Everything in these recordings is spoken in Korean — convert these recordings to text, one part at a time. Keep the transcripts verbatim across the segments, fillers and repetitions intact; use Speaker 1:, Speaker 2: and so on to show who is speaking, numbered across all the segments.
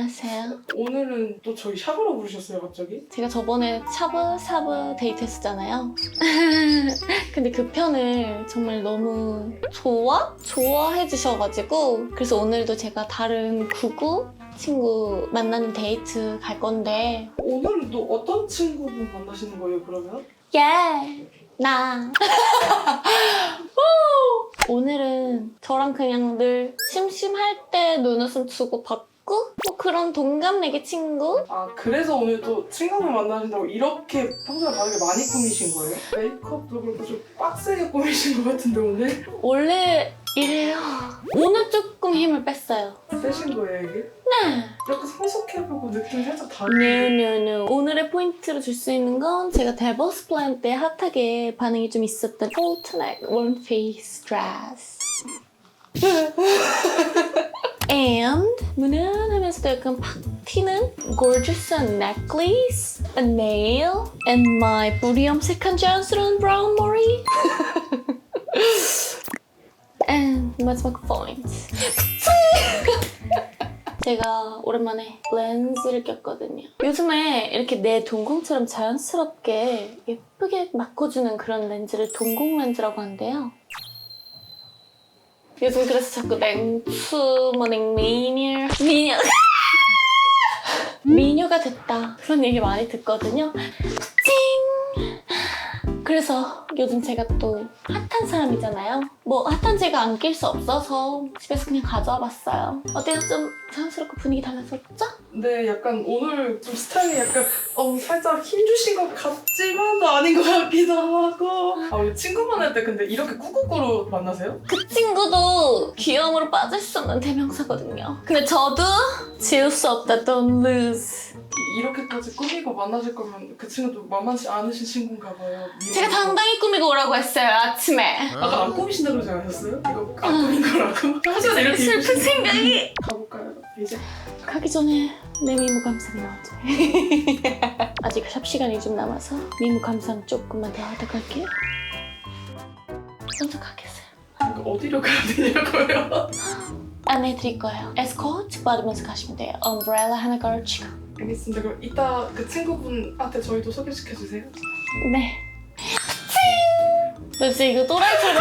Speaker 1: 안녕하세요.
Speaker 2: 오늘은 또 저희 샵으로 부르셨어요, 갑자기?
Speaker 1: 제가 저번에 샤브샤브 데이트 했었잖아요. 근데 그 편을 정말 너무 좋아? 좋아해 주셔가지고 그래서 오늘도 제가 다른 구구 친구 만나는 데이트 갈 건데
Speaker 2: 오늘은 또 어떤 친구분 만나시는 거예요, 그러면?
Speaker 1: 예! 나! 오늘은 저랑 그냥 늘 심심할 때 눈웃음 주고 받고 뭐 그런 동갑내기 친구?
Speaker 2: 아, 그래서 오늘 또 친구분 만나신다고 이렇게 평소에 다르게 많이 꾸미신 거예요? 메이크업도 그렇고 좀 빡세게 꾸미신 것 같은데, 오늘?
Speaker 1: 원래 이래요. 오늘 조금 힘을 뺐어요.
Speaker 2: 세신 거예요, 이게?
Speaker 1: 네.
Speaker 2: 이렇게 성숙해보고 느낌 살짝 다른데?
Speaker 1: No, no, no. 오늘의 포인트로 줄 수 있는 건 제가 데버스 플랜 때 핫하게 반응이 좀 있었던 폴트넥 원피스 드레스. And 무난하면서도 약간 팍 튀는 gorgeous한 necklace, a nail, and my 뿌리 염색한 자연스러운 브라운 머리. And 마지막 포인트. 제가 오랜만에 렌즈를 꼈거든요. 요즘에 이렇게 내 동공처럼 자연스럽게 예쁘게 바꿔주는 그런 렌즈를 동공 렌즈라고 한대요. 요즘 그래서 자꾸 냉수, 뭐 냉미녀, 미녀 미녀가 됐다 그런 얘기 많이 듣거든요. 찡! 그래서 요즘 제가 또 핫한 사람이잖아요. 뭐 핫한 제가 안 낄 수 없어서 집에서 그냥 가져와 봤어요. 어때요? 좀 자연스럽고 분위기 달라졌죠?
Speaker 2: 근데 약간 오늘 좀 스타일이 약간 어 살짝 힘주신 것 같지만도 아닌 것 같기도 하고. 아, 우리 친구 만날 때 근데 이렇게 꾸꾸꾸로 만나세요?
Speaker 1: 그 친구도 귀여움으로 빠질 수 없는 대명사거든요. 근데 저도 지울 수 없다. Don't lose.
Speaker 2: 이렇게까지 꾸미고 만나실 거면 그 친구도 만만치 않으신 친구인가 봐요.
Speaker 1: 제가 당당히 꾸미고 오라고 했어요, 아침에.
Speaker 2: 아까 안 꾸미신다 그러지 않으셨어요? 이거 안 꾸민 거라고? 평소에 이렇게
Speaker 1: 슬픈
Speaker 2: 입으시는
Speaker 1: 생각이.
Speaker 2: 가볼까요? 이제?
Speaker 1: 가기 전에 내 미모 감상 나오죠. 아직 샵 시간이 좀 남아서 미모 감상 조금만 더 하다 갈게요. 먼저 가겠어요.
Speaker 2: 이거 어디로 가야 되냐고요?
Speaker 1: 안내해 드릴 거예요. 에스코트 받으면서 가시면 돼요. 엄브렐라 하나 걸치고.
Speaker 2: 알겠습니다. 그럼 이따 그 친구분한테 저희도 소개시켜주세요.
Speaker 1: 네. 너 진짜 이거 또라이처럼.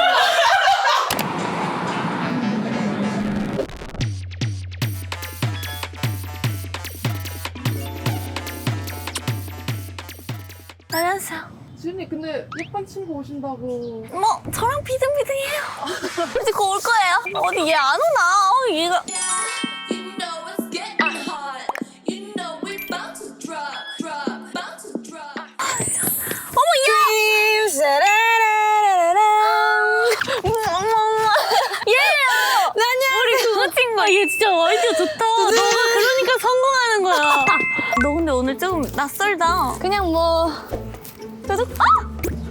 Speaker 1: 안녕하세요.
Speaker 2: 지은이 근데 예쁜 친구 오신다고.
Speaker 1: 뭐 저랑 비등비등해요. 이제 곧 올 거예요. 어디 얘 안 오나? 어, 얘가.
Speaker 3: You know it's getting hot. You know we about to drop, drop, about to drop.
Speaker 1: 어머 야! 얘예요. 우리 그거 친구야. 얘 진짜 아이디어 좋다. 너가 그러니까 성공하는 거야. 너 근데 오늘 조금 낯설다.
Speaker 4: 그냥 뭐
Speaker 1: 계속 아!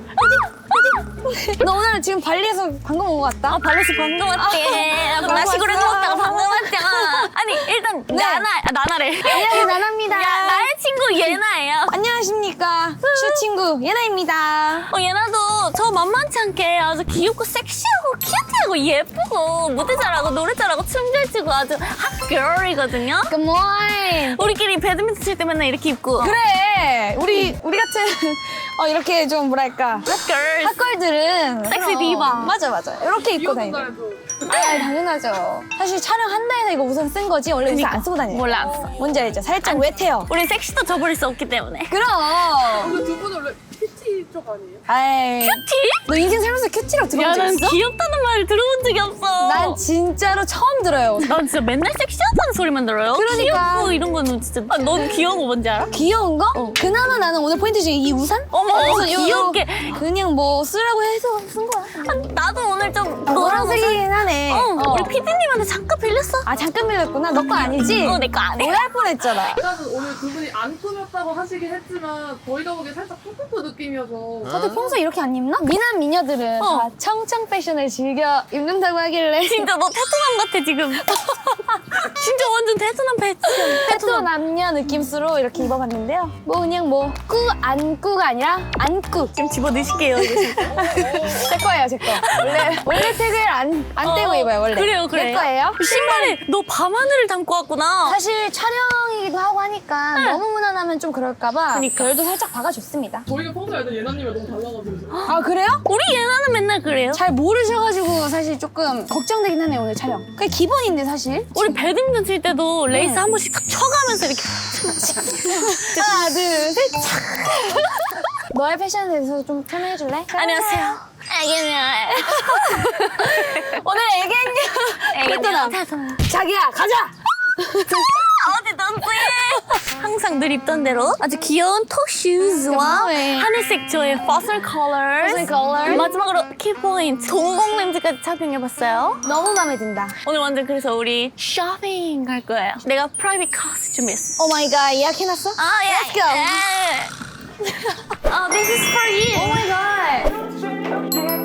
Speaker 4: 너 오늘 지금 발리에서 방금 온 것 같다?
Speaker 1: 아 발레스 방금 왔대.
Speaker 4: 방금
Speaker 1: 나시고를
Speaker 4: 왔어.
Speaker 1: 먹다가 방금 왔잖아. 아니 일단
Speaker 4: 네.
Speaker 1: 나나 아, 나나래.
Speaker 4: 안녕하세요, 나나입니다.
Speaker 1: 야 나의 친구 예나예요.
Speaker 4: 안녕하십니까. 슈 친구 예나입니다.
Speaker 1: 어, 예나도 저 만만치 않게 아주 귀엽고 섹시하고 큐티하고 예쁘고 무대 잘하고 노래 잘하고 춤 잘 추고 아주 핫걸이거든요.
Speaker 4: Good morning.
Speaker 1: 우리끼리 배드민턴 칠 때 맨날 이렇게 입고
Speaker 4: 그래, 우리 우리 같은 어 이렇게 좀 뭐랄까
Speaker 1: 핫걸.
Speaker 4: 핫걸들은
Speaker 1: 섹시
Speaker 4: 그럼,
Speaker 1: 디바.
Speaker 4: 맞아 맞아 이렇게 입고 다니는. 아 당연하죠. 사실 촬영 한다해서 이거 우선 쓴 거지 원래 우선 안 쓰고 다녀요.
Speaker 1: 몰라 안 써.
Speaker 4: 뭔지 알죠? 살짝 웻해요.
Speaker 1: 우리 섹시도 저버릴 수 없기 때문에.
Speaker 4: 그럼.
Speaker 2: 근데 두 분 원래 큐티 쪽 아니에요?
Speaker 4: 아이.
Speaker 1: 큐티?
Speaker 4: 너 인생 살면서 큐티라고 들어본 적
Speaker 1: 야난
Speaker 4: 있어?
Speaker 1: 귀엽다는 말을 들어본 적이 없어.
Speaker 4: 난 진짜로 처음 들어요.
Speaker 1: 난 진짜 맨날 섹시하다는 소리만 들어요.
Speaker 4: 그러니까.
Speaker 1: 귀엽고 이런 거는 진짜. 아, 넌 귀여운 거 뭔지 알아?
Speaker 4: 귀여운 거? 그나마 나는 오늘 포인트 중에 이 우산?
Speaker 1: 어머,
Speaker 4: 그래서 요-
Speaker 1: 귀엽게.
Speaker 4: 그냥 뭐 쓰라고 해서 쓴 거야.
Speaker 1: 아, 나도 오늘 좀
Speaker 4: 아, 노란색이긴 하네.
Speaker 1: 어,
Speaker 4: 어.
Speaker 1: 우리 피디님한테 잠깐 빌렸어.
Speaker 4: 아 잠깐 빌렸구나. 너 거 아니지?
Speaker 1: 어, 내 거 아니야.
Speaker 4: 오해할 뻔했잖아.
Speaker 5: 일단은 오늘 두 분이 안 꾸몄다고 하시긴 했지만 저희가 보기에 살짝 푸푸푸 느낌이어서
Speaker 4: 저도 평소에 이렇게 안 입나? 미남 미녀들은
Speaker 1: 어.
Speaker 4: 다 청청 패션을 즐겨 입는다고 하길래
Speaker 1: 진짜 너 테토남 같아 지금. 진짜 완전 테토남 패션.
Speaker 4: 테토 남녀 느낌으로 이렇게 입어봤는데요. 뭐 그냥 뭐 꾸 안꾸가 아니라 안꾸.
Speaker 1: 지금 집어 넣으실게요. 이거 진짜.
Speaker 4: 제 거예요, 제 거. 원래 원래 택을 안, 안 떼고
Speaker 1: 어,
Speaker 4: 입어요, 원래.
Speaker 1: 그래요, 그래요.
Speaker 4: 내 거예요.
Speaker 1: 신발에 너 밤하늘을 담고 왔구나.
Speaker 4: 사실 촬영이 촬영이기도 하고 하니까 너무 무난하면 좀 그럴까봐
Speaker 1: 그러니까.
Speaker 4: 별도 살짝 박아줬습니다.
Speaker 5: 저희가 평소에 알던 예나님이 너무 달라가지고.
Speaker 4: 아 그래요?
Speaker 1: 우리 예나는 맨날 그래요.
Speaker 4: 잘 모르셔가지고 사실 조금 걱정되긴 하네요 오늘 촬영. 그게 기본인데 사실.
Speaker 1: 우리 배드민턴 칠 때도 레이스 한 번씩 탁 쳐가면서 이렇게.
Speaker 4: 하나 둘 셋. 너의 패션에 대해서 좀 설명해줄래?
Speaker 1: 안녕하세요. 애견이야.
Speaker 4: 오늘 애견녀.
Speaker 1: 애견이야.
Speaker 4: 자기야 가자.
Speaker 1: 어디 던지? 항상 늘 입던 대로 아주 귀여운 톡슈즈와
Speaker 4: 네.
Speaker 1: 하늘색 저의 퍼슬 컬러.
Speaker 4: 퍼슬 컬러.
Speaker 1: 마지막으로 키포인트 동공 렌즈까지 착용해봤어요.
Speaker 4: 너무 마음에 든다.
Speaker 1: 오늘 완전 그래서 우리 쇼핑 갈 거예요. 내가 프라이빗 카스 준비했어.
Speaker 4: 오 마이 갓 예약해놨어?
Speaker 1: 아, 예.
Speaker 4: Let's go.
Speaker 1: 예. 아, this is for you.
Speaker 4: 오 마이 갓.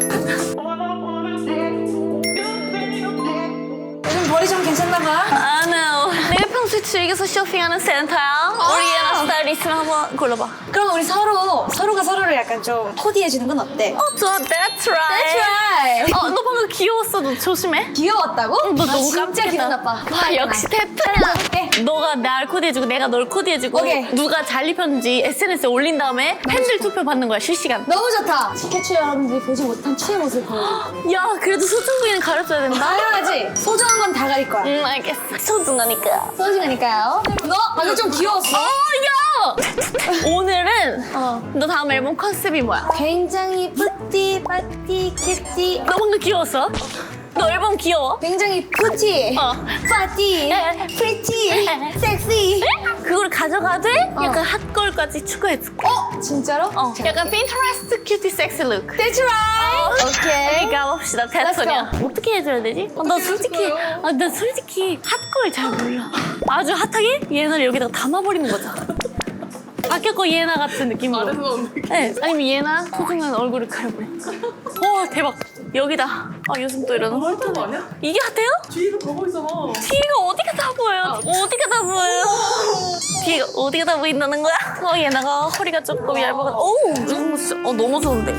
Speaker 4: 요즘 머리 좀 괜찮나 봐.
Speaker 1: 아, no. 내가 평소에 즐겨서 쇼핑하는 센터야. 우리 예나 스타일 있으면 한번 골라봐.
Speaker 4: 그럼 우리 서로 서로가 서로를 약간 좀 코디해주는 건 어때?
Speaker 1: 어, 좋아. That's right.
Speaker 4: That's right.
Speaker 1: 어, 너 방금 귀여웠어. 너 조심해.
Speaker 4: 귀여웠다고?
Speaker 1: 너
Speaker 4: 아,
Speaker 1: 너무
Speaker 4: 진짜
Speaker 1: 깜짝이야.
Speaker 4: 기분 나빠.
Speaker 1: 아, 역시 태프야.
Speaker 4: 해줄게.
Speaker 1: 너가 날 코디해주고 내가 널 코디해주고
Speaker 4: 오케이.
Speaker 1: 누가 잘 입혔는지 에스엔에스에 올린 다음에 팬들 투표 받는 거야, 실시간.
Speaker 4: 너무 좋다. 스케치 여러분들이 보지 못한 추의 모습을 보여줘.
Speaker 1: 야, 그래도 소중 부위는 가려줘야 된다.
Speaker 4: 당연하지. 소중한 건 다 가릴 거야.
Speaker 1: 응, 알겠어. 소중하니까.
Speaker 4: 소중하니까요. 너 방금 좀 귀여웠어.
Speaker 1: 어, 야! 오늘은
Speaker 4: 어.
Speaker 1: 너 다음 앨범 컨셉이 뭐야?
Speaker 4: 굉장히 뿌띠, 빠띠, 큐티.
Speaker 1: 너 방금 귀여웠어? 너 앨범 귀여워?
Speaker 4: 굉장히 푸티,
Speaker 1: 어.
Speaker 4: 빠띠,
Speaker 1: 에.
Speaker 4: 프리티, 섹시.
Speaker 1: 그걸 가져가되
Speaker 4: 어.
Speaker 1: 약간 핫걸까지 추가해줄게.
Speaker 4: 어? 진짜로?
Speaker 1: 어, 약간 핀터레스트 큐티 섹시 룩.
Speaker 4: That's right. 오케이.
Speaker 1: 우리 가봅시다, 테토냐. 어떻게 해줘야 되지? 어, 나 솔직히, 아, 나 솔직히 핫걸 잘 몰라. 아주 핫하게 얘나를 여기다가 담아버리는 거죠. 아껴거 예나 같은 느낌으로.
Speaker 5: 아래서 나오는
Speaker 1: 네, 아니면 예나 소중한 얼굴을 가려버려. 어, 대박. 여기다. 아, 요즘 또 이러는 걸.
Speaker 5: 거 아니야?
Speaker 1: 이게 핫해요?
Speaker 5: 뒤로 가고 있잖아.
Speaker 1: 뒤가 어디가 다 보여요? 어디가 다 보여요? 뒤가 어디가 다 보인다는 거야? 어, 얘나가 허리가 조금 얇아가지고. 어우, 너무, 좋- 어, 너무 좋은데.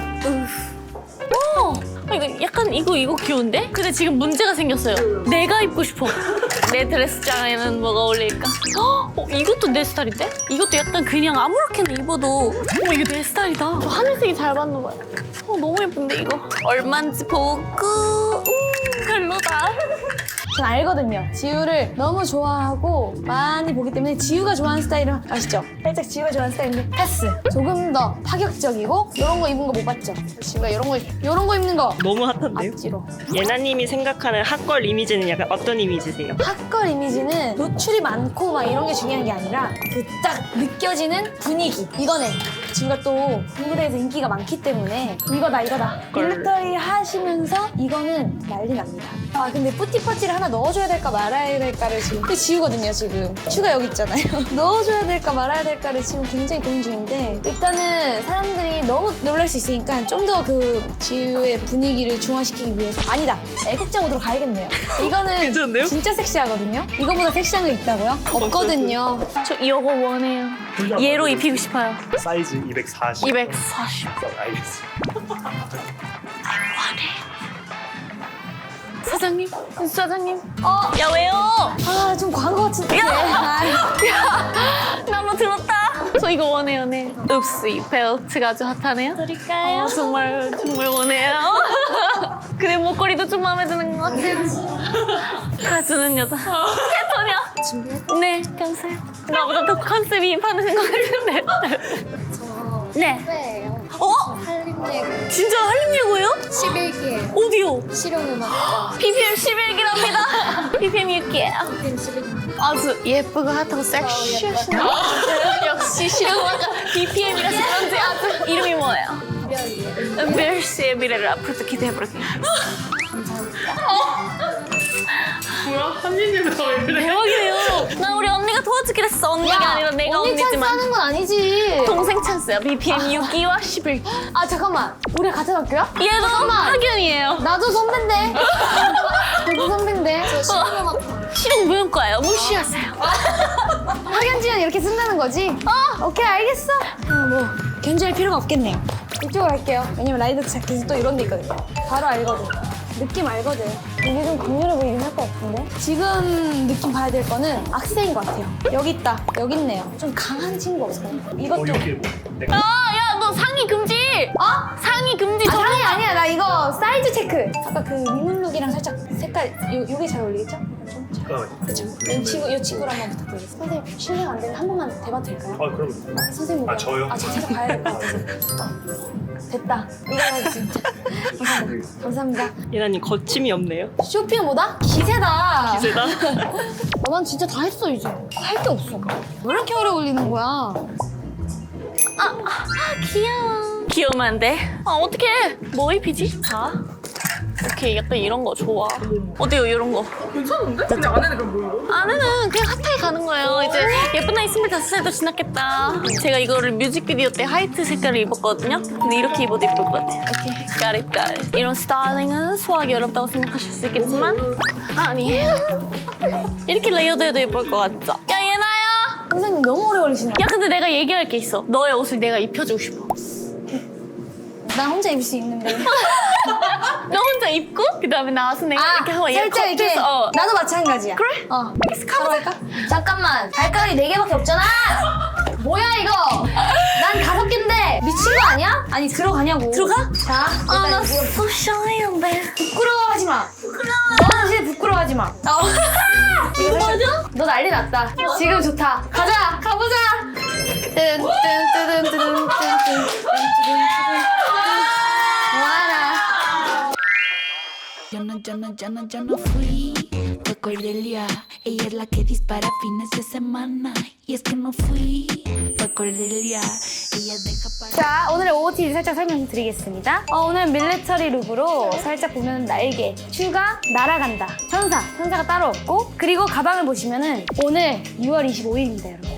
Speaker 1: 어, 어, 이거 약간 이거 이거 귀여운데? 근데 지금 문제가 생겼어요. 내가 입고 싶어. 내 드레스장에는 뭐가 어울릴까? 어, 어, 이것도 내 스타일인데? 이것도 약간 그냥 아무렇게나 입어도 어, 이거 내 스타일이다. 저 하늘색이 잘 맞는 거야. 어, 너무 예쁜데 이거? 얼마인지 보고 음, 별로다.
Speaker 4: 전 알거든요. 지우를 너무 좋아하고 많이 보기 때문에 지우가 좋아하는 스타일은 아시죠? 살짝 지우가 좋아하는 스타일인데 패스. 조금 더 파격적이고 이런 거 입은 거 못 봤죠? 지우가 이런 거 이런 거 입는 거
Speaker 6: 너무 핫한데요?
Speaker 4: 앞뒤로.
Speaker 6: 예나님이 생각하는 핫걸 이미지는 약간 어떤 이미지세요?
Speaker 4: 핫걸 이미지는 노출이 많고 막 이런 게 중요한 게 아니라 그 딱 느껴지는 분위기. 이거는 지우가 또 군부대에서 인기가 많기 때문에 이거다 이거다. 밀리터리 하시면서 이거는 난리 납니다. 아 근데 뿌띠퍼티를 하나 넣어줘야 될까 말아야 될까를 지금 그 지우거든요 지금. 슈가 여기 있잖아요. 넣어줘야 될까 말아야 될까를 지금 굉장히 고민 중인데 일단은 사람들이 너무 놀랄 수 있으니까 좀 더 그 지우의 분위기를 중화시키기 위해서 아니다. 애국자 모드로 가야겠네요. 이거는
Speaker 6: 괜찮은데요?
Speaker 4: 진짜 섹시하거든요. 이거보다 섹시한 거 있다고요? 없거든요.
Speaker 1: 저 이거 원해요. 얘로 입히고 싶어요.
Speaker 7: 사이즈 이백사십.
Speaker 1: 이백사십.
Speaker 7: 알겠습니다.
Speaker 1: 사장님, 사장님.
Speaker 4: 어,
Speaker 1: 야, 왜요?
Speaker 4: 아, 좀 광고 같은데. 아,
Speaker 1: 나 뭐 들었다. 저 이거 원해요, 네. 읍스, 이 벨트가 아주 핫하네요. 드릴까요? 어, 정말, 정말 원해요. 근데 목걸이도 좀 마음에 드는 것 같아요. 가주는 여자. 캐터냐? 준비했어? 네, 감사해요. 나보다 더 컨셉이 많으신 것 같은데. 네. 어?
Speaker 8: 한림예고
Speaker 1: 진짜 한림예고예요?
Speaker 8: 십일 기에
Speaker 1: 어디요?
Speaker 8: 실용음악과
Speaker 1: 비피엠 십일 기랍니다. 비피엠 육 개.
Speaker 8: 팀 십일 기
Speaker 1: 아주 예쁘고 핫하고 섹시하시네요. 역시 실용음악가 비피엠이라서 그런지 아주 이름이 뭐예요?
Speaker 8: 별이에요.
Speaker 1: 은별 씨의 미래를 앞으로도 기대해볼게요.
Speaker 5: 뭐야? 한니님에서 왜 그래?
Speaker 1: 대박이에요. 나 우리 언니가 도와주기로 했어. 언니가 아니라 내가
Speaker 4: 언니 찬스
Speaker 1: 언니지만.
Speaker 4: 하는 건 아니지.
Speaker 1: 동생 찬스야. 비피엠 육 기와 십일 기.
Speaker 4: 아, 잠깐만. 우리 같은 학교야?
Speaker 1: 얘도 학연이에요.
Speaker 4: 나도 선배인데. 나도 선배인데.
Speaker 8: 저 실용음악과
Speaker 1: 실용무용과예요. 무시하세요.
Speaker 4: 학연지연 이렇게 쓴다는 거지? 어, 오케이, 알겠어. 어, 뭐, 견제할 필요가 없겠네요. 이쪽으로 할게요. 왜냐면 라이더 자켓이 또 이런 데 있거든요. 바로 알거든. 느낌 알거든. 이게 좀 강렬해 보이긴 할 것 같은데? 지금 느낌 봐야 될 거는 악세인 것 같아요. 여기 있다. 여기 있네요. 좀 강한 친구 없어요? 이것
Speaker 7: 어,
Speaker 4: 좀.
Speaker 7: 여기 뭐 내가
Speaker 1: 야 너 상의 금지.
Speaker 4: 어?
Speaker 1: 상의 금지.
Speaker 4: 아, 상의 아니야. 나 이거 사이즈 체크. 아까 그 민물룩이랑 살짝 색깔, 요, 요게 잘 어울리겠죠? 좀 잘.
Speaker 7: 어,
Speaker 4: 그쵸. 이 친구, 이 친구를 한번 부탁드리겠습니다. 선생님, 실례가 안 되면 한 번만 대봐도 될까요?
Speaker 7: 아 그럼
Speaker 4: 선생님.
Speaker 7: 아, 저요?
Speaker 4: 아, 저 진짜 봐야 될 것 같아서. 어. 됐다. 이거는 진짜. 감사합니다. 감사합니다.
Speaker 6: 예나님 거침이 없네요.
Speaker 4: 쇼핑 뭐다? 기세다.
Speaker 6: 기세다.
Speaker 4: 어, 난 진짜 다 했어, 이제. 할 게 없어. 왜 이렇게 오래 걸리는 거야?
Speaker 1: 귀여워. 귀여우면 안 돼. 아 어떡해. 뭐 입히지? 자. 오케이 약간 이런 거 좋아. 어때요 이런 거?
Speaker 2: 괜찮은데? 근데 안에는 그럼 뭐예요?
Speaker 1: 안에는 그냥 핫하게 가는 거예요. 이제 예쁜 나이 스물다섯 살도 지났겠다. 제가 이거를 뮤직비디오 때 화이트 색깔을 입었거든요. 근데 이렇게 입어도 예쁠 것 같아요. 이렇게 까릿 까릿. 이런 스타일링은 소화하기 어렵다고 생각하실 수 있겠지만 아니에요. 이렇게 레이어드해도 예쁠 것 같죠? 야 예나야!
Speaker 4: 선생님 너무 오래 걸리시네.
Speaker 1: 야 근데 내가 얘기할 게 있어. 너의 옷을 내가 입혀주고 싶어.
Speaker 4: 나 혼자 입을 수 있는데.
Speaker 1: 너 혼자 입고 그 다음에 나와서 내가 이렇게 하고 얘
Speaker 4: 살짝 이렇게.
Speaker 1: 겉에서 어.
Speaker 4: 나도 마찬가지야.
Speaker 1: 그래?
Speaker 4: 어. 바로 할까? 잠깐만. 발가락이 네 개밖에 없잖아. 뭐야 이거? 난 다섯 개인데 미친 거 아니야? 아니 들어가냐고.
Speaker 1: 들어가?
Speaker 4: 자, 일단
Speaker 1: 아나
Speaker 4: 이거
Speaker 1: so shy인데.
Speaker 4: 부끄러워하지 마. 부끄러워. 너는 진짜 부끄러워하지 마. 어. 이거 맞아? 너 난리 났다. 지금 좋다. 가자. 가보자. 뜬뜬뜨든뜨든뜨든뜨든. 와라.
Speaker 9: Yo no, yo no, yo no, yo no fui. Fue Cordelia. Ella es la que dispara fines de semana. Y es que no fui. Fue Cordelia. Ella deja para.
Speaker 4: 자, 오늘의 오오티디 살짝 설명드리겠습니다. 어, 오늘 밀리터리 룩으로 살짝 보면 날개, 슈가, 날아간다, 천사, 천사가 따로 없고, 그리고 가방을 보시면은 오늘 유월 이십오일입니다, 여러분.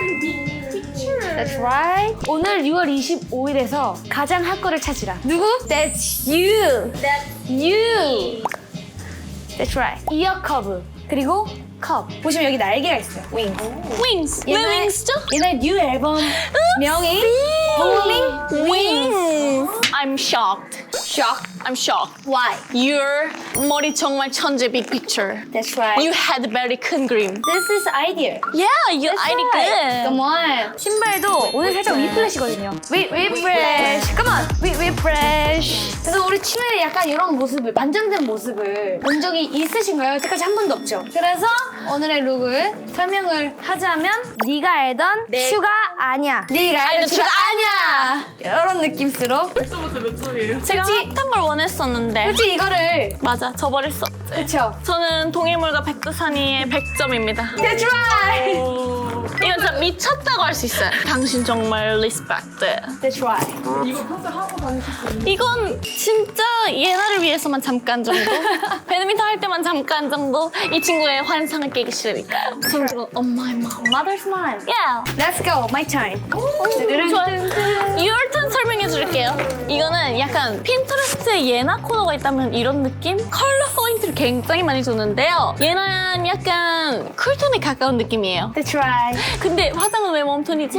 Speaker 4: That's right. 오늘 유월 이십오일에서 가장 할 거를 찾으라. 누구? That's you. That's you. That's right. 이어 커브. 그리고 컵. 보시면 여기 날개가 있어요. 윙.
Speaker 1: Wings. 왜
Speaker 4: 옛날-
Speaker 1: 윙스죠?
Speaker 4: 옛날 뉴 앨범 명이 Booming Wings.
Speaker 1: I'm shocked.
Speaker 4: Shock.
Speaker 1: I'm shocked.
Speaker 4: Why?
Speaker 1: Your 머리 정말 천재 big picture.
Speaker 4: That's right.
Speaker 1: You had very 큰 그림.
Speaker 4: This is idea.
Speaker 1: Yeah, you
Speaker 4: That's
Speaker 1: I
Speaker 4: right.
Speaker 1: good.
Speaker 4: Come on. 신발도 오늘 살짝 위플래시거든요. 위 위플래시. Come on. 위 위플래시. 그래서 우리 치멜이 약간 이런 모습을 반전된 모습을 본 적이 있으신가요? 여태까지 한 번도 없죠. 그래서 오늘의 룩을 설명을 하자면 네가 알던 슈가 아니야. 네가 알던 슈가 아니야. 이런 느낌으로.
Speaker 2: 몇 점부터 몇 점이에요?
Speaker 1: 제가 핫한 걸 원했었는데.
Speaker 4: 솔직히 이거를
Speaker 1: 맞아, 저버렸어.
Speaker 4: 그쵸?
Speaker 1: 저는 동해물과 백두산이의 백 점입니다.
Speaker 4: That's right.
Speaker 1: 이건 진짜 미쳤다고 할 수 있어요. 당신 정말 리스펙트.
Speaker 4: That's right.
Speaker 2: 이거 평소에 하고 다니셨어요?
Speaker 1: 이건 진짜 예나를 위해서만 잠깐 정도? 배드민턴 할 때만 잠깐 정도? 이 친구의 환상을 깨기 싫으니까요. 저는 지금 on my mom.
Speaker 4: Mother's mind.
Speaker 1: Yeah.
Speaker 4: Let's go. My time.
Speaker 1: 좋아요. Your turn 설명해 줄게요. 이거는 약간 핀터레스트에 예나 코너가 있다면 이런 느낌? 컬러 포인트를 굉장히 많이 주는데요. 예나는 약간 쿨톤에 가까운 느낌이에요.
Speaker 4: That's right.
Speaker 1: 근데 화장은 왜 웜톤이지?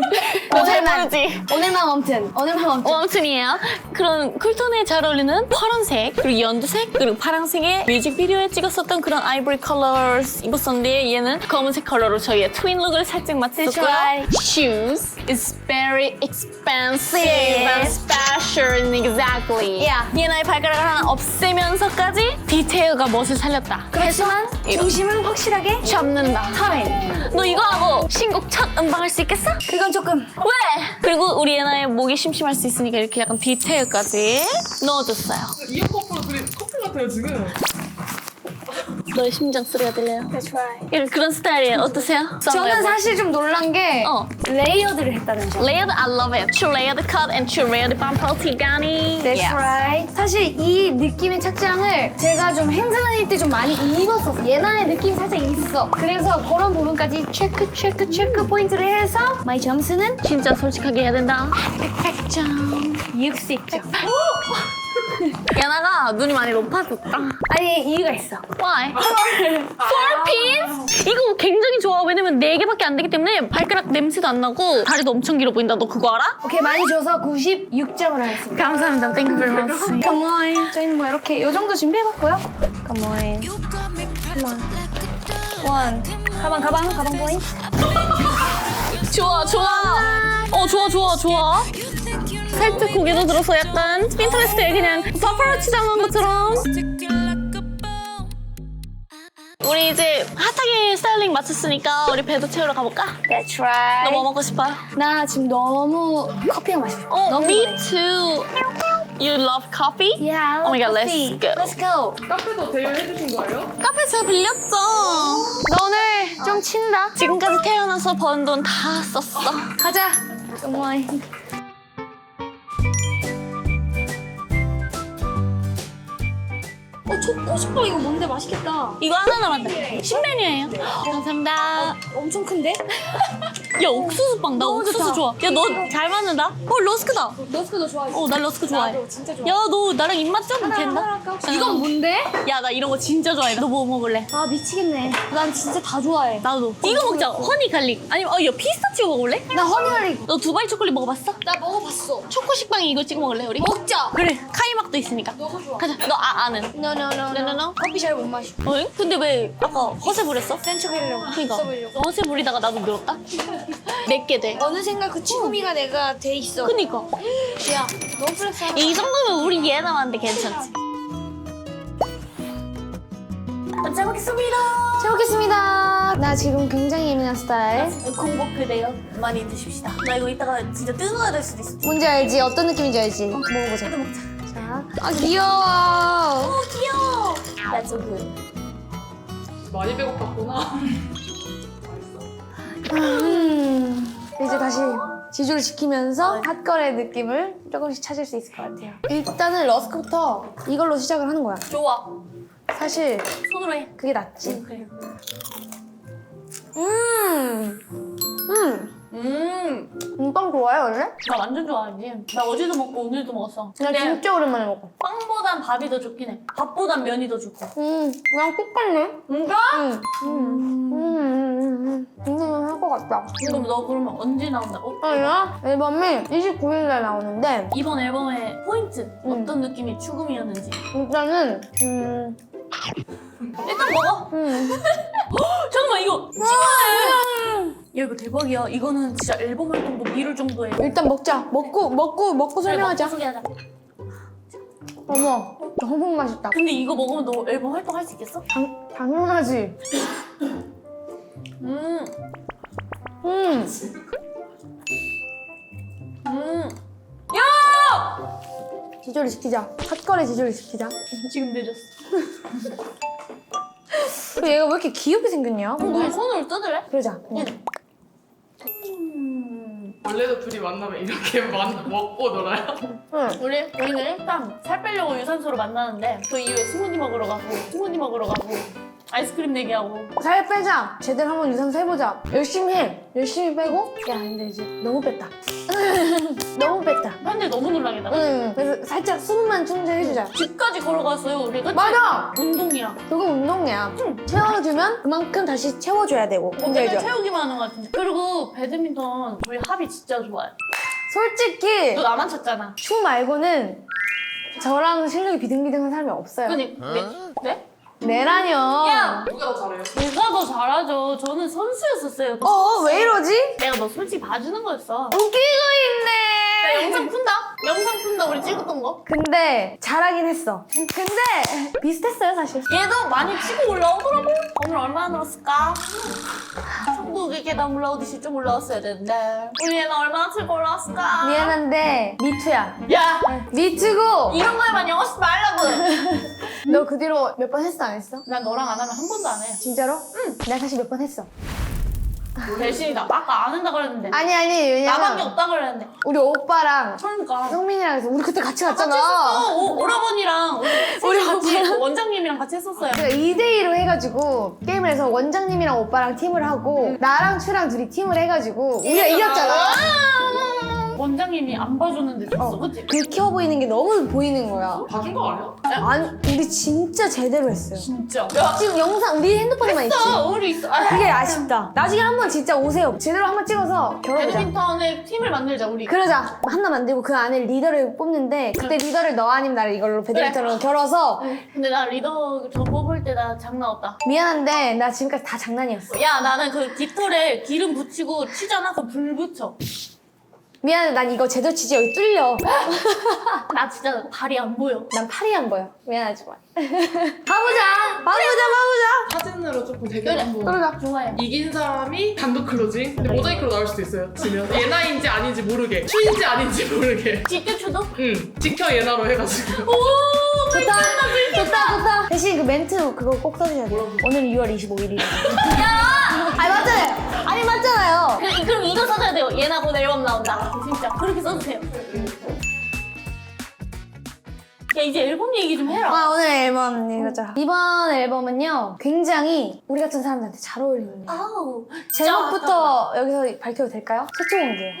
Speaker 4: 오늘만
Speaker 1: 모르지.
Speaker 4: 오늘만 웜튼. 오늘만 웜튼.
Speaker 1: 웜톤이에요. 그런 쿨톤에 잘 어울리는 파란색, 그리고 연두색, 그리고 파란색의 뮤직비디오에 찍었었던 그런 아이보리 컬러 입었었는데 얘는 검은색 컬러로 저희의 트윈 룩을 살짝 맞췄고요.
Speaker 4: right.
Speaker 1: Shoes is very expensive and special exactly.
Speaker 4: Yeah.
Speaker 1: 얘나의 발가락을 하나 없애면서까지 디테일과 멋을 살렸다.
Speaker 4: 그렇지만
Speaker 1: 이거.
Speaker 4: 중심은 확실하게
Speaker 1: 잡는다.
Speaker 4: 타인.
Speaker 1: 너 이거 하고 신곡 첫 음방할 수 있겠어?
Speaker 4: 그건 조금
Speaker 1: 왜? 그리고 우리 예나의 목이 심심할 수 있으니까 이렇게 약간 디테일까지 넣어줬어요.
Speaker 2: 이어 커플 둘이 커플 같아요 지금.
Speaker 1: 너의 심장 소리가 들려요.
Speaker 4: That's right.
Speaker 1: 이런 그런 스타일이에요. 어떠세요?
Speaker 4: 저는 사실 좀 놀란 게
Speaker 1: 어.
Speaker 4: 레이어드를 했다는 점.
Speaker 1: Layered, I love it. True layered cut and true layered bumper tigani.
Speaker 4: That's right. 사실 이 느낌의 착장을 제가 좀 행사 다닐 때 좀 많이 입었었어. 예나의 느낌이 살짝 있어. 그래서 그런 부분까지 체크 체크 체크 포인트를 해서 마이 점수는
Speaker 1: 진짜 솔직하게 해야 된다. 백 점.
Speaker 4: 육십 점.
Speaker 1: 예나가 눈이 많이 높아졌다.
Speaker 4: 아니 이유가 있어.
Speaker 1: Why? Four piece? 이거 굉장히 좋아. 왜냐면 네 개밖에 안 되기 때문에 발가락 냄새도 안 나고 다리도 엄청 길어 보인다. 너 그거 알아?
Speaker 4: 오케이 많이 줘서 구십육 점을 하겠습니다.
Speaker 1: 감사합니다. Thank you very much.
Speaker 4: Come on. 저희는 뭐 이렇게 이 정도 준비해봤고요. Come on. Come on. One. 가방, 가방, 가방 포인트.
Speaker 1: 좋아 좋아. 어 좋아 좋아 좋아. 살짝 고개도 들어서 약간 핀터레스트에 그냥 파파라치 잡는 것처럼. 우리 이제 핫하게 스타일링 마쳤으니까 우리 배도 채우러 가볼까?
Speaker 4: That's right.
Speaker 1: 너 뭐 먹고 싶어?
Speaker 4: 나 지금 너무 커피가 마시고 싶어.
Speaker 1: 어,
Speaker 4: 너무
Speaker 1: me
Speaker 4: 좋아해.
Speaker 1: too. You love coffee?
Speaker 4: Yeah, I
Speaker 1: Oh my god,
Speaker 4: love
Speaker 1: let's
Speaker 4: coffee.
Speaker 1: go.
Speaker 4: Let's go.
Speaker 2: 카페도 대여해주신 거예요?
Speaker 1: 카페 제가 빌렸죠.
Speaker 4: 너 오늘 좀 친다.
Speaker 1: 지금까지 태어나서 번 돈 다 썼어.
Speaker 4: 가자. Come on. 어, 초코슈퍼 이거 뭔데 맛있겠다.
Speaker 1: 이거 하나 남았다. 신메뉴예요. 감사합니다.
Speaker 4: 엄청 큰데?
Speaker 1: 야, 옥수수빵. 나
Speaker 4: 너무
Speaker 1: 옥수수
Speaker 4: 좋다.
Speaker 1: 좋아. 야, 너 잘 맞는다? 어, 러스크다.
Speaker 4: 러스크도 좋아해.
Speaker 1: 어, 나 러스크 좋아해.
Speaker 4: 나도 진짜 좋아.
Speaker 1: 야, 너 나랑 입맛 좀 된다?
Speaker 4: 할까, 혹시? 이건 뭔데?
Speaker 1: 야, 나 이런 거 진짜 좋아해. 너 뭐 먹을래?
Speaker 4: 아 미치겠네. 난 진짜 다 좋아해.
Speaker 1: 나도. 이거 먹자. 허니 갈릭. 아니면, 어, 야, 피스타치오 먹을래?
Speaker 4: 나 허니갈릭.
Speaker 1: 너 두바이 초콜릿 먹어봤어?
Speaker 4: 나 먹어봤어.
Speaker 1: 초코 식빵에 이거 찍어 먹을래, 우리?
Speaker 4: 먹자.
Speaker 1: 그래, 카이막도 있으니까.
Speaker 4: 너무 좋아.
Speaker 1: 가자. 너 아, 아는.
Speaker 4: No no no
Speaker 1: No, no, no.
Speaker 4: 커피 잘 못 마셔.
Speaker 1: 어? 근데 왜 아까 허세 부렸어?
Speaker 4: 센 척하려고.
Speaker 1: 그니까.
Speaker 4: 있어 보이려고.
Speaker 1: 허세 부리다가 나도 늘었다? 내게 돼.
Speaker 4: 어느샌가 그 취구미가 내가 돼 있어.
Speaker 1: 그니까.
Speaker 4: 야, 너무 플렉스하다.
Speaker 1: 이 정도면 우리 얘 남았는데 괜찮지? 잘 먹겠습니다.
Speaker 4: 잘 먹겠습니다. 나 지금 굉장히 예민한 스타일.
Speaker 1: 공복그대요. 많이 드십시다. 나 이거 이따가 진짜 뜯어야 될 수도 있어.
Speaker 4: 뭔지 알지? 어떤 느낌인지 알지? 먹어보자.
Speaker 1: 먹자.
Speaker 4: 자. 아 귀여워.
Speaker 1: 오, 귀여워. That's so good.
Speaker 2: 많이 배고팠구나.
Speaker 4: 음. 이제 다시 지조를 지키면서 핫걸의 느낌을 조금씩 찾을 수 있을 것 같아요. 일단은 러스크부터 이걸로 시작을 하는 거야.
Speaker 1: 좋아.
Speaker 4: 사실
Speaker 1: 손으로 해.
Speaker 4: 그게 낫지.
Speaker 1: 그래.
Speaker 4: 음. 음.
Speaker 1: 음.
Speaker 4: 음, 빵 좋아해 원래?
Speaker 1: 나 완전 좋아하지. 나 어제도 먹고 오늘도 먹었어.
Speaker 4: 나
Speaker 1: 근데
Speaker 4: 진짜 오랜만에 먹어.
Speaker 1: 빵보단 밥이 더 좋긴 해. 밥보단 면이 더 좋고.
Speaker 4: 음, 그냥 똑같네.
Speaker 1: 뭔가?
Speaker 4: 음. 음. 음. 음. 음. 음. 할 것 같다.
Speaker 1: 그럼 너 그러면 언제 나온다고?
Speaker 4: 아니야? 앨범이 이십구 일날 나오는데
Speaker 1: 이번 앨범의 포인트
Speaker 4: 음.
Speaker 1: 어떤 느낌이 추금이었는지
Speaker 4: 일단은 음.
Speaker 1: 일단 먹어.
Speaker 4: 음.
Speaker 1: 잠깐만 이거 찍어야 야 이거 대박이야. 이거는 진짜 앨범 활동도 미룰 정도의
Speaker 4: 일단 먹자. 먹고 먹고 먹고 설명하자.
Speaker 1: 소개하자.
Speaker 4: 어머, 너무 맛있다.
Speaker 1: 근데 이거 먹으면 너 앨범 활동 할 수 있겠어?
Speaker 4: 당, 당연하지.
Speaker 1: 음,
Speaker 4: 음.
Speaker 1: 음.
Speaker 4: 지조를 지키자. 핫걸의 지조를 지키자.
Speaker 1: 지금 늦었어.
Speaker 4: 근데 얘가 왜 이렇게 귀엽게 생겼냐?
Speaker 1: 너 손으로 뜯을래?
Speaker 4: 그러자. 그냥.
Speaker 1: 음.
Speaker 2: 원래도 둘이 만나면 이렇게 만, 먹고 놀아요?
Speaker 4: 응.
Speaker 1: 우리 우리는 일단 살 빼려고 유산소로 만나는데 그 이후에 스무디 먹으러 가고 스무디 먹으러 가고 아이스크림 내기하고.
Speaker 4: 살 빼자. 제대로 한번 유산소 해보자. 열심히 해. 열심히 빼고. 야, 근데 이제 너무 뺐다. 너무 뺐다.
Speaker 1: 근데 너무 놀라겠다.
Speaker 4: 응. 그래서 살짝 수분만 충전해주자.
Speaker 1: 집까지 걸어갔어요 우리. 그치?
Speaker 4: 맞아.
Speaker 1: 운동이야.
Speaker 4: 그거 운동이야. 채워주면 그만큼 다시 채워줘야 되고. 뭔지
Speaker 1: 맨날
Speaker 4: 알죠?
Speaker 1: 채우기만 하는 것 같은데. 그리고 배드민턴 저희 합이 진짜 좋아요.
Speaker 4: 솔직히
Speaker 1: 너 나만 쳤잖아.
Speaker 4: 춤 말고는 저랑 실력이 비등비등한 사람이 없어요.
Speaker 1: 그니 네? 네?
Speaker 4: 내라뇨.
Speaker 1: 야!
Speaker 2: 누가 더 잘해요?
Speaker 1: 제가 더 잘하죠. 저는 선수였었어요.
Speaker 4: 어, 왜 이러지?
Speaker 1: 내가 너 솔직히 봐주는 거였어.
Speaker 4: 웃기고 있네.
Speaker 1: 나 영상 푼다. 영상 푼다. 우리 찍었던 거.
Speaker 4: 근데 잘하긴 했어. 근데 비슷했어요, 사실.
Speaker 1: 얘도 많이 치고 올라오더라고. 오늘 얼마나 늘었을까? 천국의 계단 올라오듯이 좀 올라왔어야 되는데. 우리 얘는 얼마나 치고 올라왔을까?
Speaker 4: 미안한데 미투야.
Speaker 1: 야!
Speaker 4: 미투고
Speaker 1: 이런 거에만 영어 쓰지 말라고.
Speaker 4: 너 그 뒤로 몇 번 했어, 안 했어?
Speaker 1: 난 너랑 안 하면 한 번도 안 해.
Speaker 4: 진짜로? 응. 내가 사실 몇 번 했어.
Speaker 1: 대신이다. 아까 안 한다 그랬는데.
Speaker 4: 아니 아니
Speaker 1: 나밖에
Speaker 4: 왜냐면
Speaker 1: 없다 그랬는데.
Speaker 4: 우리 오빠랑
Speaker 1: 그러니까.
Speaker 4: 성민이랑 해서 우리 그때 같이
Speaker 1: 같이
Speaker 4: 갔잖아.
Speaker 1: 했었어. 오, 오라버니랑 우리,
Speaker 4: 우리
Speaker 1: 셋이 같이
Speaker 4: 오빠랑.
Speaker 1: 원장님이랑 같이 했었어요.
Speaker 4: 제가 이 대 이로 해가지고 게임을 해서 원장님이랑 오빠랑 팀을 하고 나랑 추랑 둘이 팀을 해가지고 우리가 이겼잖아.
Speaker 8: 원장님이 안 봐줬는데 줬어,
Speaker 4: 어.
Speaker 8: 그치?
Speaker 4: 긁혀 보이는 게 너무 보이는 거야.
Speaker 2: 봐준 거 아니야?
Speaker 4: 아니 우리 진짜 제대로 했어요.
Speaker 8: 진짜.
Speaker 4: 지금 영상 우리 핸드폰에만 있지.
Speaker 8: 어, 우리 있어. 아,
Speaker 4: 그게 아쉽다. 나중에 한번 진짜 오세요. 제대로 한번 찍어서 결혼하자.
Speaker 8: 배드민턴의 팀을 만들자, 우리.
Speaker 4: 그러자. 하나 만들고 그 안에 리더를 뽑는데 그때 리더를 너 아니면 나를 이걸로 배드민턴으로 결어서
Speaker 8: 근데 나 리더 저 뽑을 때 나 장난 없다.
Speaker 4: 미안한데 나 지금까지 다 장난이었어.
Speaker 8: 야, 나는 그 깃털에 기름 붙이고 치잖아? 그럼 불 붙여.
Speaker 4: 미안해. 난 이거 제대로 치지 여기 뚫려.
Speaker 8: 나 진짜 발이 안 보여.
Speaker 4: 난 팔이 안 보여. 미안하지만. 가보자. 가보자. 가보자.
Speaker 2: 사진으로 조금 대결
Speaker 8: 그래.
Speaker 2: 한번.
Speaker 4: 그러자.
Speaker 8: 좋아요.
Speaker 2: 이긴 사람이 단독 클로징. 근데 모자이크로 나올 수도 있어요. 지면 예나인지 아닌지 모르게, 추인지 아닌지 모르게.
Speaker 8: 직접 추도?
Speaker 2: 응. 지켜 예나로 해가지고.
Speaker 4: 좋다. 좋다. 좋다. 대신 그 멘트 그거 꼭 써주셔야 돼요. 오늘 유월 이십오일이에요. 야! 아니 맞잖아요. 아니 맞잖아요.
Speaker 8: 그, 그럼 이거 써줘야 돼요. 얘나 곧 앨범 나온다. 진짜. 그렇게 써주세요. 야, 이제 앨범 얘기 좀 해라.
Speaker 4: 아 오늘 앨범 이거죠. 이번 앨범은요 굉장히 우리 같은 사람들한테 잘 어울리는 거예요.
Speaker 8: 아우.
Speaker 4: 제목부터 여기서 밝혀도 될까요? 최초 공개요.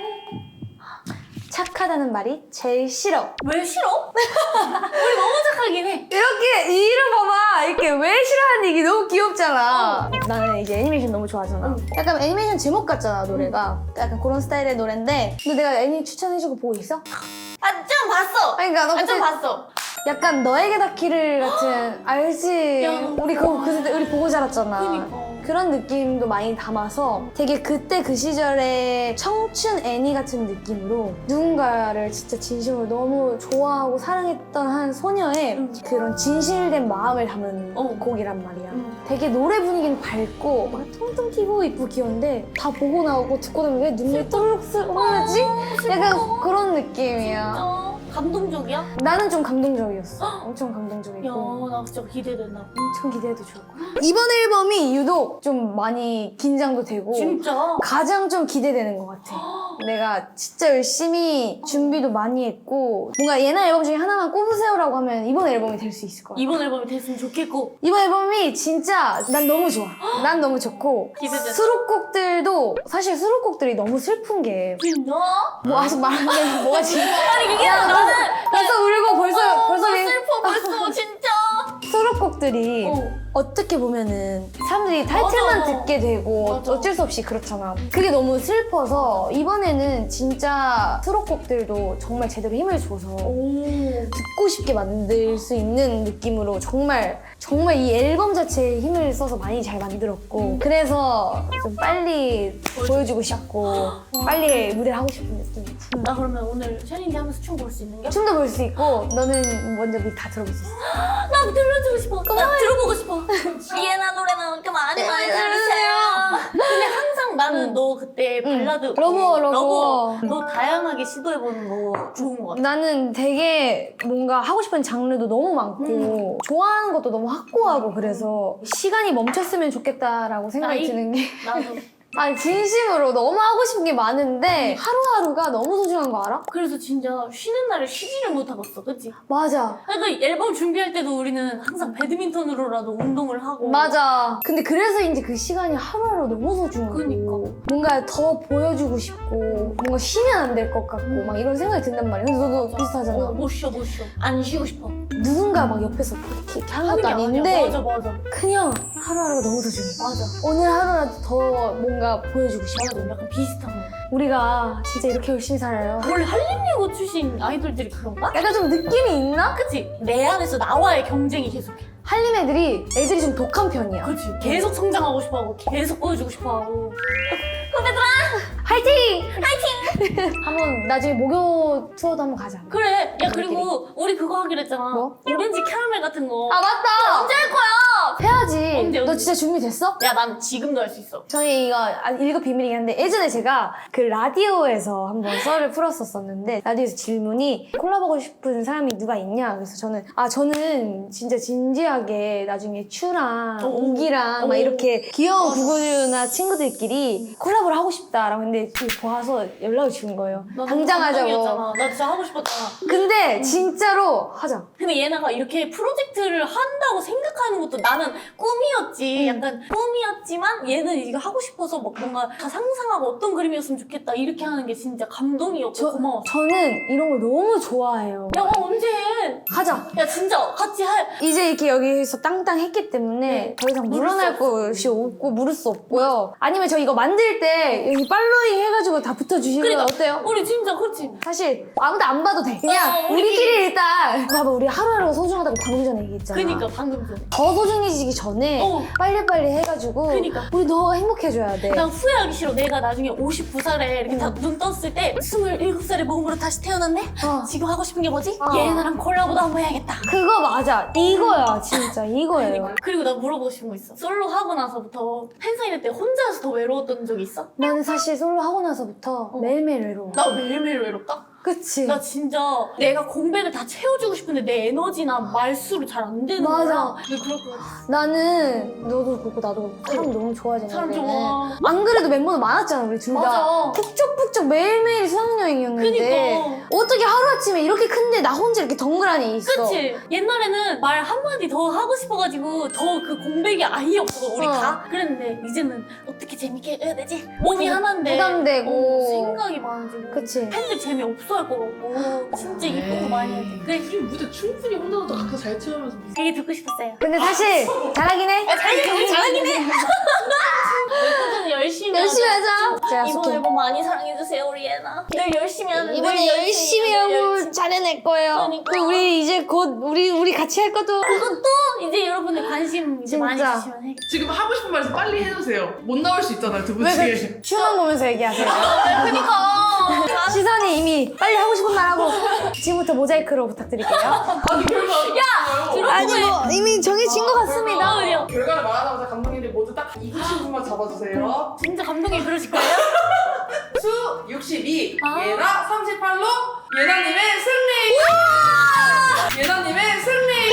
Speaker 4: 착하다는 말이 제일 싫어.
Speaker 8: 왜 싫어? 우리 너무 착하긴 해.
Speaker 4: 이렇게 이 이름 봐봐. 이렇게 왜 싫어하는 얘기 너무 귀엽잖아. 나는 이제 애니메이션 너무 좋아하잖아. 약간 애니메이션 제목 같잖아 노래가. 약간 그런 스타일의 노래인데 근데 내가 애니 추천해주고 보고 있어?
Speaker 8: 아, 좀 봤어.
Speaker 4: 그러니까 너
Speaker 8: 아, 좀
Speaker 4: 그때
Speaker 8: 봤어.
Speaker 4: 약간 너에게 닿기를 같은 알지?
Speaker 8: 야,
Speaker 4: 우리 그거 그때 우리 보고 자랐잖아.
Speaker 8: 그니까.
Speaker 4: 그런 느낌도 많이 담아서 되게 그때 그 시절의 청춘 애니 같은 느낌으로 누군가를 진짜 진심으로 너무 좋아하고 사랑했던 한 소녀의
Speaker 8: 음.
Speaker 4: 그런 진실된 마음을 담은
Speaker 8: 어.
Speaker 4: 곡이란 말이야.
Speaker 8: 음.
Speaker 4: 되게 노래 분위기는 밝고 막 통통 튀고 이쁘고 귀여운데 다 보고 나오고 듣고 나면 왜 눈물이 또르륵 흐르지? 약간 그런 느낌이야.
Speaker 8: 진짜 감동적이야?
Speaker 4: 나는 좀 감동적이었어. 엄청 감동적이고.
Speaker 8: 야, 나 진짜 기대된다.
Speaker 4: 엄청 기대해도 좋을 거야. 이번 앨범이 유독 좀 많이 긴장도 되고
Speaker 8: 진짜?
Speaker 4: 가장 좀 기대되는 것 같아. 내가 진짜 열심히 준비도 많이 했고 뭔가 예나 앨범 중에 하나만 꼽으세요라고 하면 이번 앨범이 될 수 있을 것 같아.
Speaker 8: 이번 앨범이 됐으면 좋겠고.
Speaker 4: 이번 앨범이 진짜 난 너무 좋아. 난 너무 좋고
Speaker 8: 기대된다.
Speaker 4: 수록곡들도 사실 수록곡들이 너무 슬픈 게
Speaker 8: 진짜?
Speaker 4: 뭐 아직 말하는 뭐가 지금
Speaker 8: 아니, 그게
Speaker 4: 야,
Speaker 8: 나는
Speaker 4: 벌써 울고 벌써 벌써
Speaker 8: 어,
Speaker 4: 내-
Speaker 8: 슬퍼 벌써 진짜.
Speaker 4: 수록곡들이
Speaker 8: 어.
Speaker 4: 어떻게 보면은 사람들이 타이틀만
Speaker 8: 맞아.
Speaker 4: 듣게 되고
Speaker 8: 맞아.
Speaker 4: 어쩔 수 없이 그렇잖아. 그게 너무 슬퍼서 이번에는 진짜 수록곡들도 정말 제대로 힘을 줘서
Speaker 8: 오.
Speaker 4: 듣고 싶게 만들 수 있는 느낌으로 정말 정말 이 앨범 자체에 힘을 써서 많이 잘 만들었고 그래서 좀 빨리 보여주고 싶고 빨리 무대를 하고 싶은 느낌이지.
Speaker 8: 나 그러면 오늘 챌린지 하면서 춤 볼 수 있는 게?
Speaker 4: 춤도 볼 수 있고 너는 먼저 미리 다 들어볼 수 있어.
Speaker 8: 나 들려주고 싶어. 나 들어보고 싶어. 이해나 노래는 이렇게 많이 많이 들으세요. 근데 항상 나는 너 그때 발라드
Speaker 4: 러버, 러버.
Speaker 8: 러버 너 다양하게 시도해보는 거 좋은 거 같아.
Speaker 4: 나는 되게 뭔가 하고 싶은 장르도 너무 많고 좋아하는 것도 너무 확고하고 그래서 시간이 멈췄으면 좋겠다라고 생각이
Speaker 8: 나이?
Speaker 4: 드는 게
Speaker 8: 나도.
Speaker 4: 아니 진심으로 너무 하고 싶은 게 많은데 하루하루가 너무 소중한 거 알아?
Speaker 8: 그래서 진짜 쉬는 날에 쉬지를 못하겠어, 그치?
Speaker 4: 맞아.
Speaker 8: 그러니까 앨범 준비할 때도 우리는 항상 배드민턴으로라도 운동을 하고.
Speaker 4: 맞아. 근데 그래서인지 그 시간이 하루하루 너무 소중하고
Speaker 8: 그니까.
Speaker 4: 뭔가 더 보여주고 싶고 뭔가 쉬면 안 될 것 같고 막 이런 생각이 든단 말이야. 근데 너도 비슷하잖아.
Speaker 8: 어, 못 쉬어, 못 쉬어. 안 쉬고 싶어.
Speaker 4: 누군가 막 옆에서 이렇게, 이렇게 하는
Speaker 8: 하는
Speaker 4: 것도
Speaker 8: 게 아니야.
Speaker 4: 아닌데
Speaker 8: 맞아, 맞아.
Speaker 4: 그냥 하루하루가 너무 소중해.
Speaker 8: 맞아.
Speaker 4: 오늘 하루라도 더 뭔가 보여주고 싶어.
Speaker 8: 맞아, 약간 비슷한 거.
Speaker 4: 우리가 진짜 이렇게 열심히 살아요.
Speaker 8: 원래 한림예고 출신 아이돌들이 그런가?
Speaker 4: 약간 좀 느낌이 있나?
Speaker 8: 그치? 내 안에서 나와의 경쟁이 계속해.
Speaker 4: 한림 애들이 애들이 좀 독한 편이야.
Speaker 8: 그치? 계속 성장하고 싶어하고 계속 보여주고 싶어하고. 후배들아!
Speaker 4: 화이팅! 화이팅! 한번 나중에 목요 투어도 한번 가자.
Speaker 8: 그래. 야, 그리고 우리 그거 하기로 했잖아.
Speaker 4: 뭐?
Speaker 8: 오렌지 캐러멜 같은 거.
Speaker 4: 아 맞다!
Speaker 8: 언제 할 거야?
Speaker 4: 해야지.
Speaker 8: 언제,
Speaker 4: 너
Speaker 8: 언제?
Speaker 4: 진짜 준비됐어?
Speaker 8: 야, 난 지금도 할 수 있어.
Speaker 4: 저희 이거 일급 비밀이긴 한데 예전에 제가 그 라디오에서 한번 썰을 풀었었었는데 라디오에서 질문이 콜라보하고 싶은 사람이 누가 있냐 그래서 저는 아 저는 진짜 진지하게 나중에 츄랑
Speaker 8: 오.
Speaker 4: 우기랑 막
Speaker 8: 오.
Speaker 4: 이렇게 귀여운 구구류나 친구들끼리 콜라보를 하고 싶다 라고 했는데 그걸 보아서 연락을 주는 거예요.
Speaker 8: 나
Speaker 4: 당장 하자고.
Speaker 8: 감동이었잖아. 나 진짜 하고 싶었잖아.
Speaker 4: 근데 진짜로 하자.
Speaker 8: 근데 얘네가 이렇게 프로젝트를 한다고 생각하는 것도 나는 약간 꿈이었지. 약간 꿈이었지만 얘는 이거 하고 싶어서 막 뭔가 다 상상하고 어떤 그림이었으면 좋겠다 이렇게 하는 게 진짜 감동이었고
Speaker 4: 저,
Speaker 8: 고마워.
Speaker 4: 저는 이런 걸 너무 좋아해요.
Speaker 8: 야 언제 해?
Speaker 4: 하자.
Speaker 8: 야 진짜 같이 할.
Speaker 4: 이제 이렇게 여기서 땅땅 했기 때문에
Speaker 8: 네.
Speaker 4: 더 이상
Speaker 8: 물을
Speaker 4: 물러날
Speaker 8: 수
Speaker 4: 곳이 없고 물을 수 없고요. 아니면 저 이거 만들 때 여기 팔로잉 해가지고 다 붙여주시면
Speaker 8: 그러니까.
Speaker 4: 어때요?
Speaker 8: 우리 진짜 그렇지.
Speaker 4: 사실 아무도 안 봐도 돼. 그냥
Speaker 8: 어,
Speaker 4: 우리끼리,
Speaker 8: 우리끼리.
Speaker 4: 일단 봐봐 우리 하루하루가 소중하다고 방금 전에 얘기했잖아.
Speaker 8: 그니까 방금 전에.
Speaker 4: 더 소중해지기 전에
Speaker 8: 어.
Speaker 4: 빨리빨리 해가지고
Speaker 8: 그니까.
Speaker 4: 우리 너 행복해져야 돼.
Speaker 8: 난 후회하기 싫어. 내가 나중에 오십구 살에 이렇게 다 눈 떴을 때 스물일곱 살의 몸으로 다시 태어났네?
Speaker 4: 어.
Speaker 8: 지금 하고 싶은 게 뭐지?
Speaker 4: 어.
Speaker 8: 얘네랑 콜라보도 한번 해야겠다.
Speaker 4: 그거 맞아. 이거야 진짜 이거예요.
Speaker 8: 그리고 나 물어보고 싶은 거 있어. 솔로 하고 나서부터 팬사인회 때 혼자서 더 외로웠던 적 있어?
Speaker 4: 나는 사실 솔로 하고 나서부터 매일매일 외로워.
Speaker 8: 나 매일매일 외롭다?
Speaker 4: 그치?
Speaker 8: 나 진짜 내가 공백을 다 채워주고 싶은데 내 에너지나 말수로 잘 안 되는
Speaker 4: 맞아.
Speaker 8: 거야. 근데 그럴 것 같아.
Speaker 4: 나는 너도 그렇고 나도 그렇고 사람 너무 좋아하잖아.
Speaker 8: 사람
Speaker 4: 우리는.
Speaker 8: 좋아.
Speaker 4: 안 그래도 멤버도 많았잖아 우리 둘 다.
Speaker 8: 맞아.
Speaker 4: 북적북적 매일매일 수학여행이었는데
Speaker 8: 그니까.
Speaker 4: 어떻게 하루아침에 이렇게 큰데 나 혼자 이렇게 덩그러니 있어.
Speaker 8: 그치? 옛날에는 말 한마디 더 하고 싶어가지고 더 그 공백이 아예 없어 우리
Speaker 4: 어.
Speaker 8: 다 그랬는데 이제는 어떻게 재밌게 해야 되지? 몸이 하나인데
Speaker 4: 부담되고.
Speaker 8: 어, 생각이 많아지고
Speaker 4: 그치?
Speaker 8: 팬들 재미없어 할 것 같고 진짜 이쁜 거 많이 해야 돼 그래
Speaker 2: 우리 무대 충분히 혼자서 각자 잘 채우면서
Speaker 8: 되게 듣고 싶었어요
Speaker 4: 근데 사실 잘하긴 해.
Speaker 8: 잘하긴 해 잘하긴 해 멤버들은 열심히
Speaker 4: 열심히
Speaker 8: 하자.
Speaker 4: 하자. 제가
Speaker 8: 이번
Speaker 4: 속해.
Speaker 8: 앨범 많이 사랑해주세요 우리 예나 늘 열심히 하는
Speaker 4: 이번에
Speaker 8: 늘
Speaker 4: 열심히
Speaker 8: 늘
Speaker 4: 하고
Speaker 8: 열심히.
Speaker 4: 잘해낼 거예요.
Speaker 8: 그러니까.
Speaker 4: 그리고 우리 이제 곧 우리 우리 같이 할 것도
Speaker 8: 그것도 이제 여러분들 관심 이제 많이
Speaker 4: 진짜.
Speaker 8: 주시면 해
Speaker 2: 지금 하고 싶은 말씀 빨리 해주세요. 못 나올 수 있잖아요 두 분
Speaker 4: 왜
Speaker 2: 중에.
Speaker 4: 그 춤만 보면서 얘기하세요?
Speaker 8: 그니까
Speaker 4: 시선이 이미 빨리 하고 싶은 말 하고 지금부터 모자이크로 부탁드릴게요.
Speaker 2: 아니 별거 야
Speaker 4: 아니 뭐 이미 정해진 것 같습니다.
Speaker 8: 어디요?
Speaker 2: 결과를 말하자마자 감독님들 모두 딱 이기신 분만 잡아주세요.
Speaker 8: 진짜 감동이 그러실 거예요?
Speaker 2: 수 육십이,
Speaker 8: 아.
Speaker 2: 예나 삼십팔로 예나님의 승리! 예나님의 승리!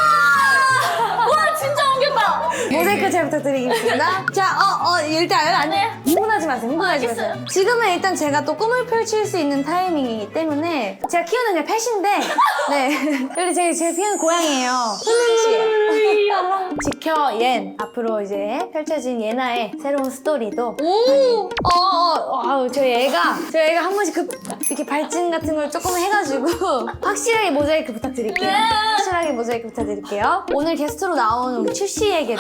Speaker 8: 와 진짜 옮겼다
Speaker 4: 모자이크 잘 부탁드리겠습니다. 자, 어, 어, 일단 안
Speaker 8: 네.
Speaker 4: 흥분하지 마세요. 흥분하지 마세요.
Speaker 8: 알겠어요.
Speaker 4: 지금은 일단 제가 또 꿈을 펼칠 수 있는 타이밍이기 때문에 제가 키우는 그냥 펫인데, 네, 여기 제, 제 키우는 고양이에요. 펫이에요. 지켜 옌. 앞으로 이제 펼쳐진 예나의 새로운 스토리도
Speaker 8: 오
Speaker 4: 어, 어, 어, 아우, 저희 애가, 저희 애가 한 번씩 그, 이렇게 발진 같은 걸 조금 해가지고, 확실하게 모자이크 부탁드릴게요.
Speaker 8: 네.
Speaker 4: 확실하게 모자이크 부탁드릴게요. 오늘 게스트로 나온 우리 출시에게도,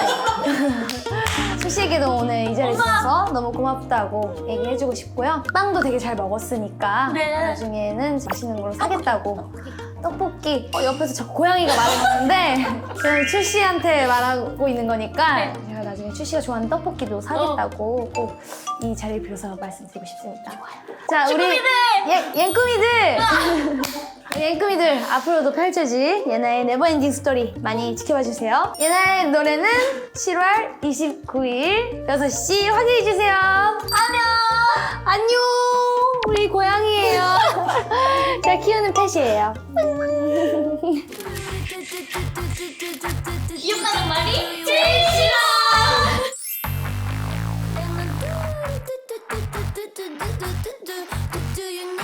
Speaker 4: 출시에게도 오늘 이 자리에 있어서 너무 고맙다고 얘기해주고 싶고요. 빵도 되게 잘 먹었으니까,
Speaker 8: 네.
Speaker 4: 나중에는 맛있는 걸로 사겠다고. 떡볶이 어, 옆에서 저 고양이가 말해주는데 저는 출시한테 말하고 있는 거니까
Speaker 8: 네.
Speaker 4: 제가 나중에 출시가 좋아하는 떡볶이도 사겠다고 꼭 이 자리를 빌어서 말씀드리고 싶습니다. 자 우리 예, 옌꾸미들 옌꾸미들 앞으로도 펼쳐질 예나의 네버엔딩 스토리 많이 지켜봐주세요. 예나의 노래는 칠월 이십구일 여섯 시 확인해주세요. 안녕 안녕 우리 고양이에요. 제가 키우는 펫이에요.
Speaker 8: 귀엽다는 말이 제일 싫어
Speaker 3: Do you